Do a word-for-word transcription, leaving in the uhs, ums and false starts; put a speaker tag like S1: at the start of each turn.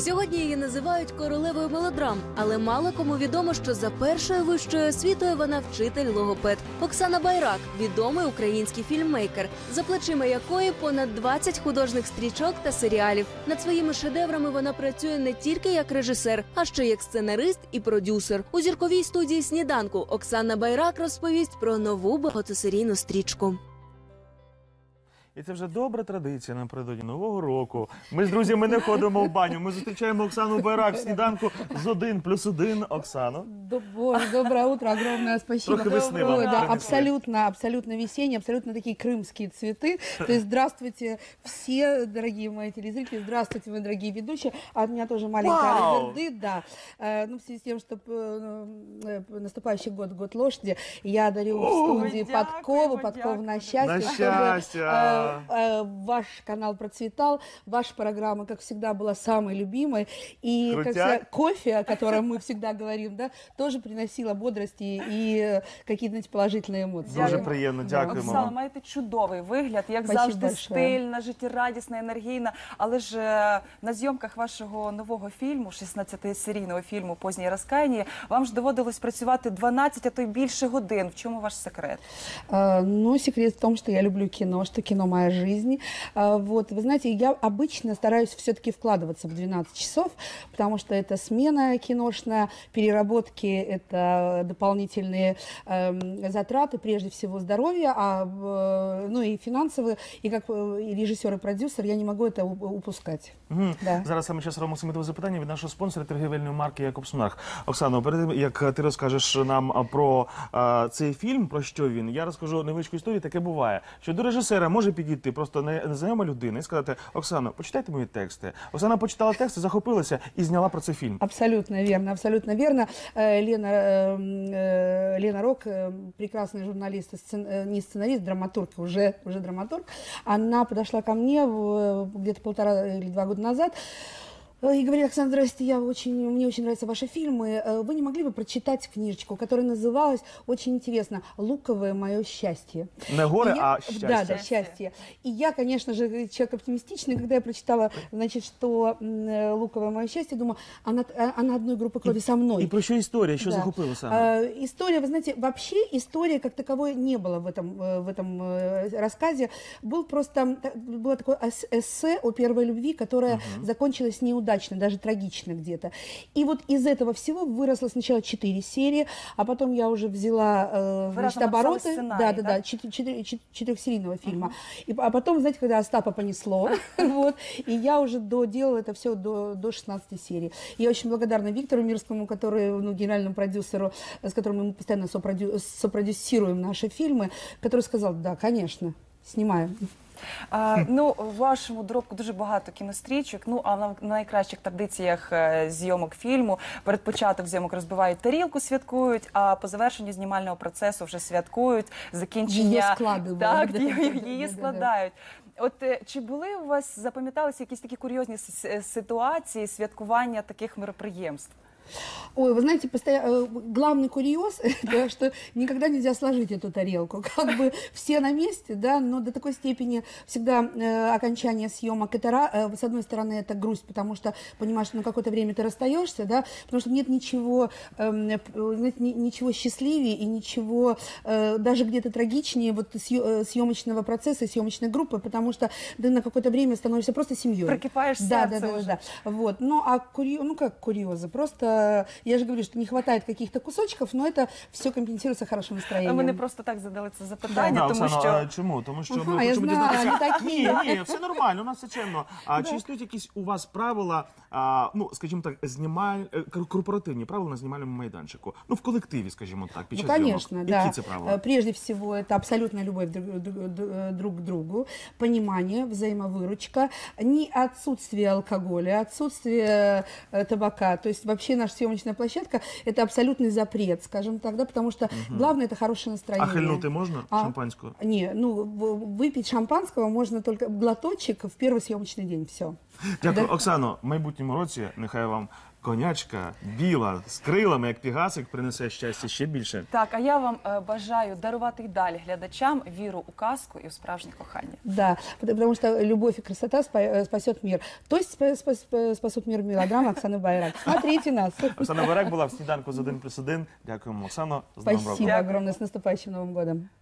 S1: Сьогодні її називають королевою мелодрам, але мало кому відомо, що за першою вищою освітою вона вчитель-логопед. Оксана Байрак – відомий український фільммейкер, за плечима якої понад двадцять художніх стрічок та серіалів. Над своїми шедеврами вона працює не тільки як режисер, а ще як сценарист і продюсер. У зірковій студії «Сніданку» Оксана Байрак розповість про нову багатосерійну стрічку.
S2: І це вже добра традиція напередодні Нового року. Ми з друзями не ходимо в баню. Ми зустрічаємо Оксану Байрак в «Сніданку» з один плюс один. Оксано.
S3: Боже, доброе утро, огромное спасибо.
S2: Трохи весны вам
S3: Да,
S2: принесли.
S3: абсолютно, абсолютно весенние, абсолютно такие крымские цветы. То есть здравствуйте все, дорогие мои телезрители, здравствуйте, мои дорогие ведущие. А от меня тоже маленькая Риверды, да. Э, Ну, в связи с тем, что э, э, наступающий год, год лошади, я дарю в студии
S4: дякую,
S3: подкову,
S4: дякую.
S3: подкову на счастье.
S2: На
S3: чтобы,
S2: счастье.
S3: э, э, Ваш канал процветал, ваша программа, как всегда, была самой любимой. И как
S2: Крутяк.
S3: всегда, кофе, о котором мы всегда говорим, да, тоже приносила бодрости и какие-то, знаете, положительные эмоции.
S2: Дуже
S4: Дякую.
S2: приємно, дякуємо
S4: Оксана,
S2: вам.
S4: маєте чудовий вигляд, як
S3: Спасибо
S4: завжди,
S3: большое.
S4: стильна, життєрадісна, енергійна. Але ж е, на зйомках вашого нового фільму, шістнадцятисерійного фільму «Позднє розкаяння», вам ж доводилось працювати дванадцять, а то й більше годин. В чому ваш секрет?
S3: А, Ну, секрет в том, что я люблю кино, что кино моя жизнь. А, Вот, вы знаете, я обычно стараюсь все-таки вкладываться в двенадцать часов, потому что это смена киношная, переработки, это дополнительные эм, затраты, прежде всего здоровья, а, э, ну и финансовые, и как э, и режиссер и продюсер я не могу это уп- упускать.
S2: Мгм.
S3: Да.
S2: Зараз саме час робимо самітове запитання від нашого спонсора торгівельної марки «Якобс Монарх». Оксано, перед тим, як ти розкажеш нам а, про а, цей фільм, про що він, я розкажу невеличку історію. Таке буває, що до режисера може підійти просто не- незнайома людина і сказати: «Оксано, почитайте мої тексти». Оксана почитала тексти, захопилася і зняла про це фільм.
S3: Абсолютно верно, абсолютно верно. Э, Лена, э, э, Лена Рок, э, прекрасная журналист, и сцен- э, не сценарист, драматург, уже, уже драматург, она подошла ко мне в- где-то полтора или два года назад э, и говорит: Оксана, здрасте, я очень, мне очень нравятся ваши фильмы. Э, Вы не могли бы прочитать книжечку, которая называлась очень интересно «Луковое мое счастье».
S2: Не горе,
S3: И я-
S2: а счастье.
S3: Да, да, счастье. И я, конечно же, человек оптимистичный, когда я прочитала, значит, что м, э, «Луковое мое счастье», думаю, она, а- она одной группы крови со мной.
S2: І про що історія, що
S3: Да.
S2: захопило саме?
S3: Э, История, вы знаете, вообще истории как таковой не было в этом, э, в этом э, рассказе. Был просто, та- было такое эс- эссе о первой любви, которая закончилась неудачно, даже трагично где-то. И вот из этого всего выросло сначала четыре серии, а потом я уже взяла э, значит,
S4: разом написали
S3: обороты,
S4: сценарий,
S3: да, да,
S4: да?
S3: да, чет- четыре- чет- четырехсерийного фильма. И, а потом, знаете, когда Остапа понесло, вот, и я уже доделала это все до, до шестнадцатой серии. Я очень благодарна Виктору Мирскому, который, ну, генеральному продюсеру, с которым мы постоянно сопродю- сопродюсируем наши фильмы, который сказал: да, конечно, снимаем.
S4: А, ну, в вашому доробку дуже багато кінострічок. Ну, а на найкращих традиціях е, зйомок фільму перед початок зйомок розбивають тарілку, святкують, а по завершенню знімального процесу вже святкують закінчення.
S3: Її складають,
S4: Так,
S3: да,
S4: її,
S3: да, да,
S4: її
S3: да, да.
S4: складають. От е, чи були у вас, запам'яталися якісь такі курйозні с- с- ситуації святкування таких мероприємств?
S3: Ой, вы знаете, постоя- э, главный курьез, это что никогда нельзя сложить эту тарелку. Как бы все на месте, да, но до такой степени всегда э, окончание съемок, это, ра- э, с одной стороны, это грусть, потому что понимаешь, что на какое-то время ты расстаешься, да, потому что нет ничего, эм, э, знаете, ни- ничего счастливее и ничего э, даже где-то трагичнее вот съё- э, съемочного процесса, съемочной группы, потому что ты на какое-то время становишься просто семьей.
S4: Прикипаешь
S3: Да, да,
S4: сердце
S3: да,
S4: уже.
S3: да, да. Вот. Ну, а курьезы, ну как курьезы, просто я же говорю, что не хватает каких-то кусочков, но это все компенсируется хорошим настроением.
S4: Ми не просто так задали це запитання,
S2: Да,
S4: тому
S2: Оксано,
S4: що...
S2: а чому? Тому що
S3: Ага,
S2: ми
S3: я
S2: хочемо
S3: знаю,
S2: дізнатися.
S3: не такі.
S2: Ні, ні, все нормально, у нас все чемно. А чи існують якісь у вас правила, а, ну, скажімо так, знімаль... е, кор- корпоративні правила на знімальному майданчику? Ну, в колективі, скажімо так, під
S3: Ну,
S2: час
S3: конечно,
S2: зйомок.
S3: да.
S2: Які це правила?
S3: Э, Прежде всего, это абсолютная любовь друг, друг- друг- друг к другу, понимание, взаимовыручка, не отсутствие алкоголя, отсутствие э, табака. То есть вообще наша съемочная площадка – это абсолютный запрет, скажем так, да, потому что главное – это хорошее
S2: А
S3: настроение.
S2: хильнути можна
S3: А?
S2: шампанського?
S3: Не, ну, в- выпить шампанского можно только глоточек в первый съемочный день, все.
S2: Дякую,
S3: Да.
S2: Оксано. В майбутньому році нехай вам конячка біла з крилами, як пігасик, принесе щастя ще більше.
S4: Так, а я вам е, бажаю дарувати й далі глядачам віру у казку і у справжнє кохання.
S3: Да, потому потому что любовь и красота спа- э, спасет мир. То есть спа- спа- спа- спасут мир мелодрама Оксаны Байрак. Смотрите нас.
S2: Оксана Байрак була в сніданку з один плюс один. Дякуємо, Оксано. З Новим роком.
S3: Спасибо огромное. С наступающим Новым годом.